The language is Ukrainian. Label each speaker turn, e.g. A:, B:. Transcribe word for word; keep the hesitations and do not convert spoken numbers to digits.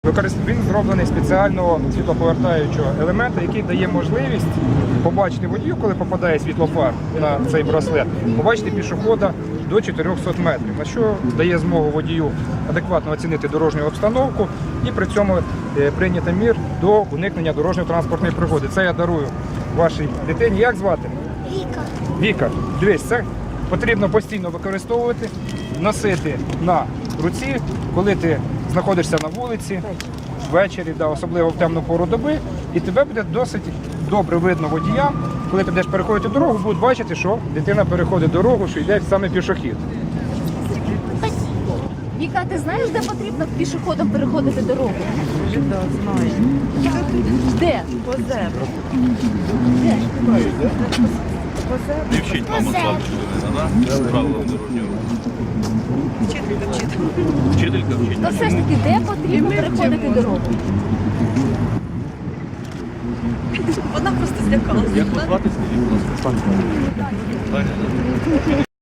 A: Він зроблений спеціального світлоповертаючого елемента, який дає можливість побачити водію, коли попадає світлофар на цей браслет, побачити пішохода до чотирьохсот метрів, на що дає змогу водію адекватно оцінити дорожню обстановку і при цьому прийняти мір до уникнення дорожньо-транспортної пригоди. Це я дарую вашій дитині. Як звати?
B: Віка.
A: Віка, дивись, це потрібно постійно використовувати, носити на руці, коли ти знаходишся на вулиці, ввечері, да, особливо в темну пору доби, і тебе буде досить добре видно водіям, коли ти будеш переходити дорогу, будуть бачити, що дитина переходить дорогу, що йде саме пішохід.
C: Віка, ти знаєш, де потрібно пішоходом переходити дорогу?
D: Так, знаю.
C: Де?
D: По зебру.
C: Де?
D: По зебру.
E: Не вчить мама слабшого, да? Правила дорожнього руху.
D: Вчителька, вчителька.
E: Вчителька вчить.
C: То все ж таки, де потрібно переходити дорогу?
D: Вона просто злякалася.
E: Як вас звати, скажіть, будь ласка? Таня.